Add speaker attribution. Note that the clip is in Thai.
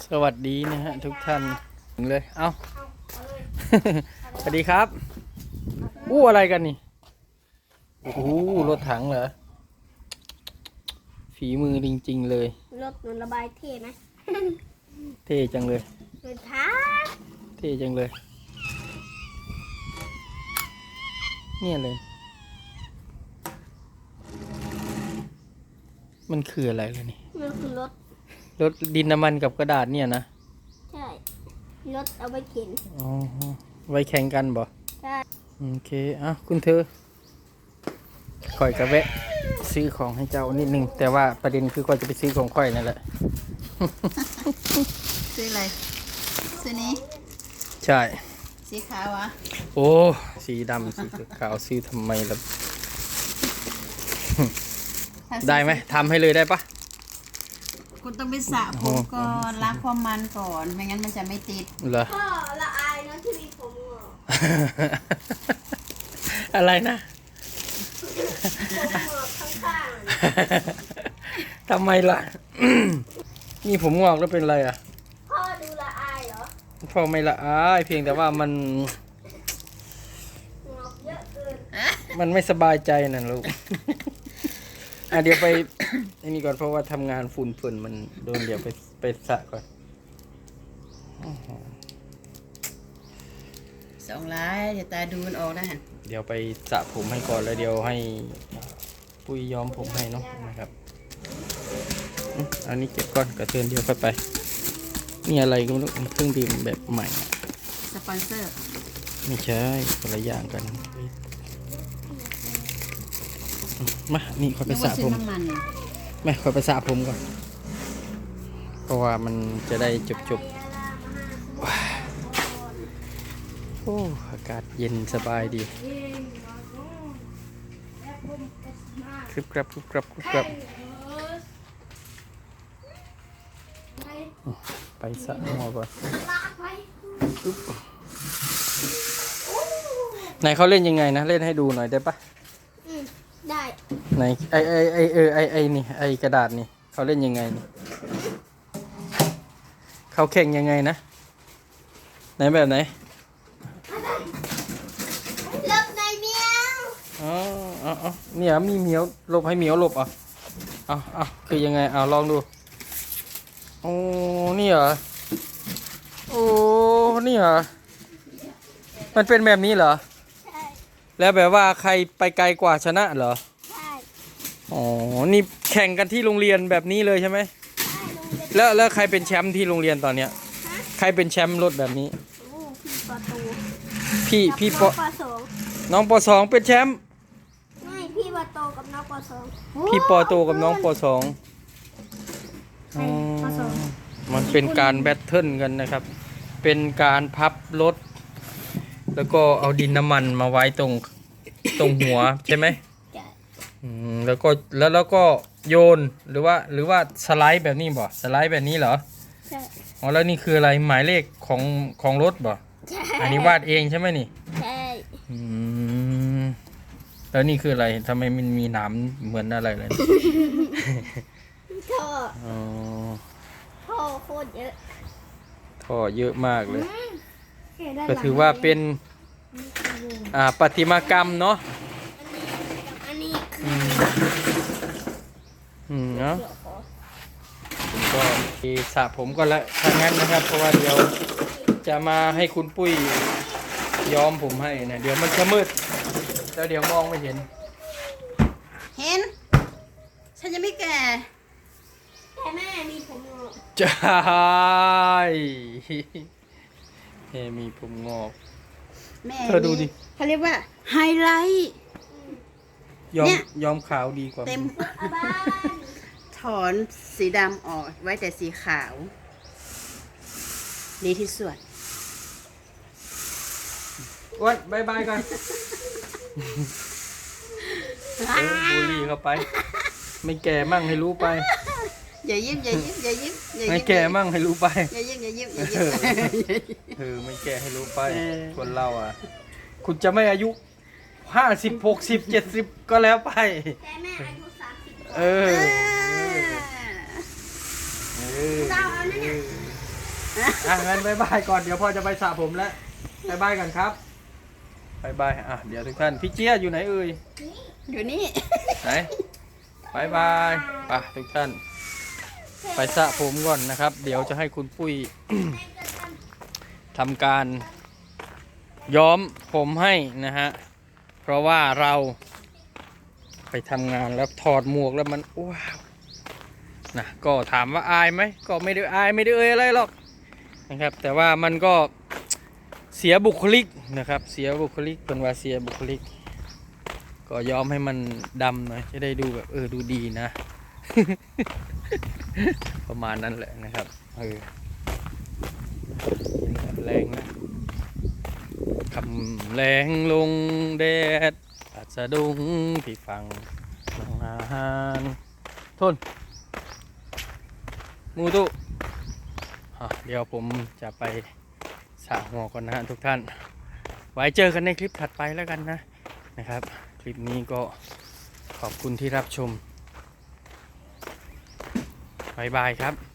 Speaker 1: สวัสดีนะฮะทุกท่านถึงเลย เอ้า สวัสดีครับอู้อะไรกันนี่โอ้โหรถถังเหรอฝีมือจริงๆเลย
Speaker 2: รถมันระบายเท่ไหม
Speaker 1: เท่จังเลย
Speaker 2: รถถัง
Speaker 1: เท่จังเลยเนี่ยเลยมันคืออะไรเลยนี่
Speaker 2: มันคือ
Speaker 1: รถดินน้ำมันกับกระดาษเนี่ยนะ
Speaker 2: ใช่รถเอาไปเข็น
Speaker 1: อ๋อไว้แข่งกันบ่
Speaker 2: ใช่
Speaker 1: โอเคอ่ะคุณเธอค่อยกระแวะซื้อของให้เจ้านิดนึงแต่ว่าประเด็นคือก่อนจะไปซื้อของค่อยนั่นแหละ
Speaker 3: ซื้ออะไรซื้อนี้
Speaker 1: ใช่
Speaker 3: สีขาวะ
Speaker 1: โอ้สีดำสีขาวซื้อทำไมล่ะ ได้ไหมทำให้เลยได้ปะ
Speaker 3: คุณต้องไปสระผมก่อนล้างความมันก่อนไม่งั้นมันจะไม่ติด
Speaker 1: เหรอ
Speaker 2: พ่อละอายนะที่มีผมงอก
Speaker 1: อะไรนะ
Speaker 2: ผมงอกข้าง
Speaker 1: ทำไมล่ะ นี่ผมงอกแล้วเป็นไรอ่ะ
Speaker 2: พ่อดูละอายเหรอ
Speaker 1: พ่อไม่ละอายเพียงแต่ว่ามัน
Speaker 2: งอกเยอะเกิน
Speaker 1: มันไม่สบายใจน่ะลูก เดี๋ยวไปไอ้นี่ก่อนเพราะว่าทำงานฝุ่นมันโดนเดี๋ยวไปสระก่อน
Speaker 3: สองร้ายเดี๋ยวตาดูมันออกนะฮะ
Speaker 1: เดี๋ยวไปสระผมให้ก่อนแล้วเดี๋ยวให้ปุ้ยย้อมผมให้เนาะนะครับอันนี้เก็บก่อนกระเทือนเดียวค่อยไปนี่อะไรก็ไม่รู้เครื่องดื่มแบบใหม่
Speaker 3: สปอนเซอร์
Speaker 1: ไม่ใช่คนละอย่างกันมานี่ค่อยไปสระผมไม่ค่อยไปสระผมก่อนเพราะว่ามันจะได้จบโอ้อากาศเย็นสบายดีครึบครับไปสระหัวก่อนไหนเขาเล่นยังไงนะเล่นให้ดูหน่อยได้ปะ
Speaker 2: ได้
Speaker 1: ไหนไอนี่ไอกระดาษนี่เขาเล่นยังไงนี่เขาแข่งยังไงนะไหนแบบไหน
Speaker 2: ลบในเมียว
Speaker 1: อ๋อเนี่ยมีเหมียวหลบให้เหมียวหลบเอาคือยังไงเอาลองดูโอ้นี่เหรอโอ้นี่เหรอมันเป็นแบบนี้เหรอ
Speaker 2: ใช่
Speaker 1: แล้วแบบว่าใครไปไกลกว่าชนะเหรอ
Speaker 2: ใช่
Speaker 1: อ๋อนี่แข่งกันที่โรงเรียนแบบนี้เลยใช่ไหม
Speaker 2: ใช่โรงเรียน
Speaker 1: แล้วใครเป็นแชมป์ที่โรงเรียนตอนเนี้ยใครเป็นแชมป์รถแบบนี้
Speaker 2: โอ้พี่ปอตู
Speaker 1: พี่ป
Speaker 2: สอง
Speaker 1: น้องปสองเป็นแชมป์
Speaker 2: ไม่พี่ปอโตกับน้องปอสอง
Speaker 1: พี่ปโตกับน้องปสองมันเป็นการแบทเทิลกันนะครับเป็นการพับรถแล้วก็เอาดินน้ำมันมาไว้ตรงหัวใช่ไหมแล้วก็โยนหรือว่าสไลด์แบบนี้บ่สไลด์แบบนี้เหรอ
Speaker 2: ใช่
Speaker 1: อ๋อแล้วนี่คืออะไรหมายเลขของรถบ่
Speaker 2: ใช่
Speaker 1: อันนี้วาดเองใช่ไหมนี่
Speaker 2: ใช่
Speaker 1: แล้วนี่คืออะไรทำไมมันมีหนามเหมือนอะไรเลย
Speaker 2: ท่อท่อโคตรเยอะ
Speaker 1: ท่อเยอะมากเลยก็ถือว่าเป็นประติมากรรมเนาะ
Speaker 2: อันนี้
Speaker 1: เนาะก็สระผมก็แล้วถ้างั้นนะครับเพราะว่าเดี๋ยวจะมาให้คุณปุ้ยย้อมผมให้นะเดี๋ยวมันจะมืดแล้วเดี๋ยวมองไม่เห็น
Speaker 3: เห็นฉันยังไม่แก่
Speaker 2: แต่แม่มีผมงอก
Speaker 1: ใช่แม่มีผมงอก
Speaker 3: แม่
Speaker 1: เธอดูดิ
Speaker 3: เขาเรียกว่าไฮไลท์
Speaker 1: ย้อมขาวดีกว่า
Speaker 3: เต็มถอนสีดำออกไว้แต่สีขาวดีที่สุด
Speaker 1: โอ๊ยบายบายกันบุหรี่เข้าไปไม่แก่มั่งให้รู้ไป
Speaker 3: อย่ายิ้ม
Speaker 1: ไม่แก่มั่งให้รู้ไป
Speaker 3: อย่ายิ้มไม่
Speaker 1: แก่ให้รู้ไปคนเราคุณจะไม่อายุ50 60 70ก็แล้วไป
Speaker 2: แต่แม่อายุ30
Speaker 1: เรา
Speaker 2: เอาเนี่ย
Speaker 1: งั้นบายบายก่อนเดี๋ยวพ่อจะไปสระผมแล้วบายบายกันครับบายบายเดี๋ยวทุกท่านพี่เจี๊ยอยู่ไหนเอ่ย
Speaker 3: อยู่นี่
Speaker 1: ไหนบายบายไปทุกท่านไปสระผมก่อนนะครับ เดี๋ยวจะให้คุณปุ้ย ทำการย้อมผมให้นะฮะเพราะว่าเราไปทำงานแล้วถอดหมวกแล้วมันว้าวนะก็ถามว่าอายไหมก็ไม่ได้อายไม่ได้เอ่ยอะไรหรอกนะครับแต่ว่ามันก็เสียบุคลิกนะครับเสียบุคลิกเป็นว่าเสียบุคลิกก็ย้อมให้มันดำหน่อยจะได้ดูแบบดูดีนะ ประมาณนั้นแหละนะครับแรงนะคำแรงลงแดดอาจจะดุงที่ฟังลงอาหารทนมูตุเดี๋ยวผมจะไปสระหัวก่อนนะฮะทุกท่านไว้เจอกันในคลิปถัดไปแล้วกันนะครับคลิปนี้ก็ขอบคุณที่รับชมบ๊ายบายครับ